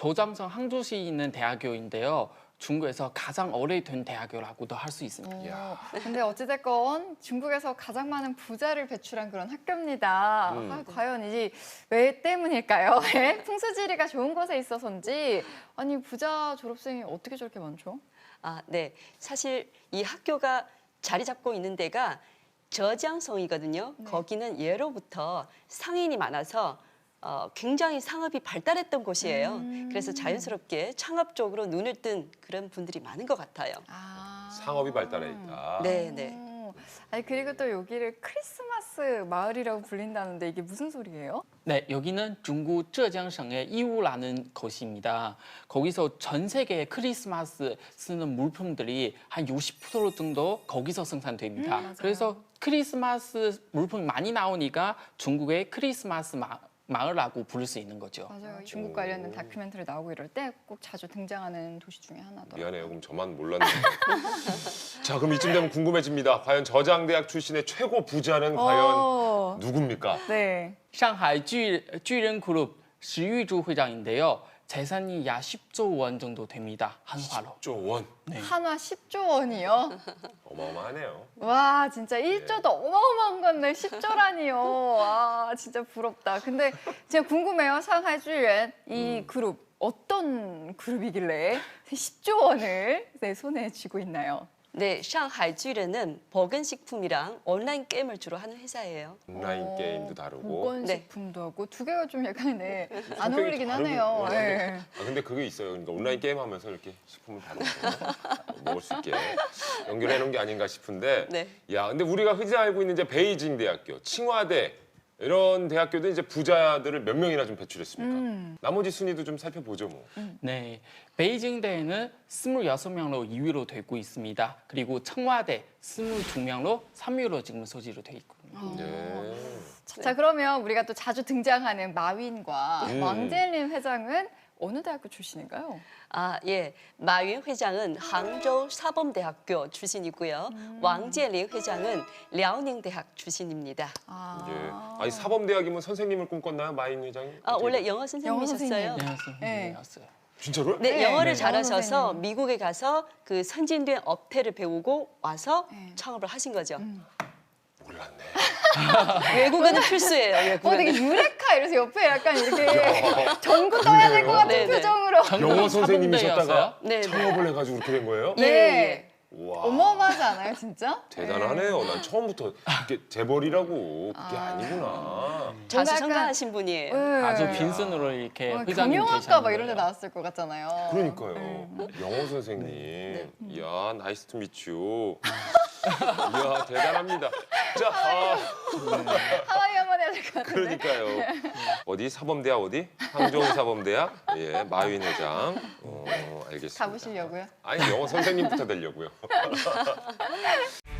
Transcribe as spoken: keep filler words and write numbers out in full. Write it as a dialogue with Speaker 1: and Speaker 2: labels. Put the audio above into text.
Speaker 1: 조장성 항저시에 있는 대학교인데요. 중국에서 가장 오래된 대학교라고도 할 수 있습니다.
Speaker 2: 어, 근데 어찌됐건 중국에서 가장 많은 부자를 배출한 그런 학교입니다.
Speaker 3: 음.
Speaker 2: 아, 과연 이게 왜 때문일까요? 예? 풍수지리가 좋은 곳에 있어서인지 아니 부자 졸업생이 어떻게 저렇게 많죠?
Speaker 4: 아, 네. 사실 이 학교가 자리 잡고 있는 데가 저장성이거든요.
Speaker 2: 네.
Speaker 4: 거기는 예로부터 상인이 많아서 어, 굉장히 상업이 발달했던 곳이에요.
Speaker 2: 음.
Speaker 4: 그래서 자연스럽게 창업 쪽으로 눈을 뜬 그런 분들이 많은 것 같아요.
Speaker 2: 아.
Speaker 3: 상업이 발달해 있다.
Speaker 4: 네, 네.
Speaker 2: 어, 아니 그리고 또 여기를 크리스마스 마을이라고 불린다는데 이게 무슨 소리예요?
Speaker 1: 네, 여기는 중국浙江省의 이우라는 곳입니다. 거기서 전 세계 크리스마스 쓰는 물품들이 한 육십 퍼센트 정도 거기서 생산됩니다.
Speaker 2: 음, 맞아요.
Speaker 1: 그래서 크리스마스 물품이 많이 나오니까 중국의 크리스마스 마, 마을이라고 부를 수 있는 거죠.
Speaker 2: 맞아요. 중국 관련된 다큐멘터리 나오고 이럴 때 꼭 자주 등장하는 도시 중에 하나더라고요.
Speaker 3: 미안해요. 그럼 저만 몰랐네요. 자, 그럼 이쯤 되면 궁금해집니다. 과연 저장대학 출신의 최고 부자는 과연
Speaker 2: 어,
Speaker 3: 누굽니까?
Speaker 2: 네.
Speaker 1: 상하이 巨,巨人 그룹 시유주 회장인데요. 재산이 약 십조 원 정도 됩니다. 한화로.
Speaker 3: 십조 원.
Speaker 1: 네.
Speaker 2: 한화 십조 원이요?
Speaker 3: 어마어마하네요.
Speaker 2: 와 진짜 일조도 어마어마한 건데 십조라니요. 와 진짜 부럽다. 근데 제가 궁금해요. 상하이 쥐ren 이 그룹 어떤 그룹이길래 십조 원을 내 손에 쥐고 있나요?
Speaker 4: 네, 상하이 쥐ren은 버건식품이랑 온라인 게임을 주로 하는 회사예요.
Speaker 3: 온라인
Speaker 2: 어,
Speaker 3: 게임도 다루고.
Speaker 2: 보건식품도 하고 두 개가 좀 약간 네, 안
Speaker 3: 성격이
Speaker 2: 어울리긴
Speaker 3: 다르고.
Speaker 2: 하네요.
Speaker 3: 어, 근데,
Speaker 2: 네.
Speaker 3: 아, 근데 그게 있어요. 그러니까 온라인 게임 하면서 이렇게 식품을 다루고 먹을 수 있게 연결해 놓은 게 아닌가 싶은데.
Speaker 4: 네.
Speaker 3: 야, 근데 우리가 흔히 알고 있는 이제 베이징 대학교, 칭화대 이런 대학교도 이제 부자들을 몇 명이나 좀 배출했습니까?
Speaker 2: 음.
Speaker 3: 나머지 순위도 좀 살펴보죠, 뭐.
Speaker 1: 네, 베이징대는 스물여섯 명으로 이 위로 되고 있습니다. 그리고 청와대 스물두 명으로 삼 위로 지금 소지로 돼 있거든요.
Speaker 3: 네.
Speaker 2: 자 그러면 우리가 또 자주 등장하는 마윈과
Speaker 3: 음.
Speaker 2: 왕젤린 회장은 어느 대학교 출신인가요?
Speaker 4: 아, 예. 마윈 회장은 항저우 사범대학교 출신이고요. 왕재리 회장은 랴오닝 대학 출신입니다.
Speaker 2: 아,
Speaker 3: 예. 아니 사범대학이면 선생님을 꿈꿨나요, 마인 회장이?
Speaker 4: 아,
Speaker 3: 어떻게
Speaker 4: 원래
Speaker 3: 돼요?
Speaker 4: 영어 선생님이셨어요.
Speaker 1: 네,
Speaker 2: 네.
Speaker 1: 선생님이었어요.
Speaker 3: 진짜로요?
Speaker 4: 네,
Speaker 2: 네,
Speaker 4: 영어를
Speaker 2: 네.
Speaker 4: 잘하셔서
Speaker 2: 영어 선생님.
Speaker 4: 미국에 가서 그 선진된 업태를 배우고 와서
Speaker 2: 네.
Speaker 4: 창업을 하신 거죠.
Speaker 3: 몰랐네.
Speaker 4: 외국어는 필수예요.
Speaker 2: 어
Speaker 4: 외국어는.
Speaker 2: 되게 유레카 이래서 옆에 약간 이렇게 전구 떠야 될 것 같은
Speaker 4: 네, 네.
Speaker 2: 표정으로.
Speaker 3: 영어 선생님이셨다가
Speaker 1: 사범대였어요?
Speaker 4: 네, 네.
Speaker 3: 창업을 해가지고 그렇게 된 거예요?
Speaker 4: 예,
Speaker 2: 네.
Speaker 4: 예.
Speaker 3: 와.
Speaker 2: 어마어마하지 않아요, 진짜?
Speaker 3: 대단하네요. 난 처음부터 이게 재벌이라고 그게
Speaker 2: 아.
Speaker 3: 아... 니구나
Speaker 4: 자수
Speaker 2: 약간-
Speaker 4: 성가하신 분이에요.
Speaker 2: 네.
Speaker 1: 아주 빈손으로 이렇게
Speaker 2: 어,
Speaker 1: 회장님
Speaker 2: 경영학과 막 이런 데
Speaker 1: 되셨는데요.
Speaker 2: 나왔을 것 같잖아요.
Speaker 3: 그러니까요.
Speaker 2: 네.
Speaker 3: 영어 선생님. 이야, 나이스 투 미츄. 이야, 대단합니다. 자, 아,
Speaker 2: 하와이 한번 해야 될 것 같은데.
Speaker 3: 그러니까요. 어디 사범대학 어디? 항저우 사범대학. 예, 마윈 회장. 어, 알겠습니다.
Speaker 2: 가보시려고요?
Speaker 3: 아니, 영어 선생님부터 되려고요.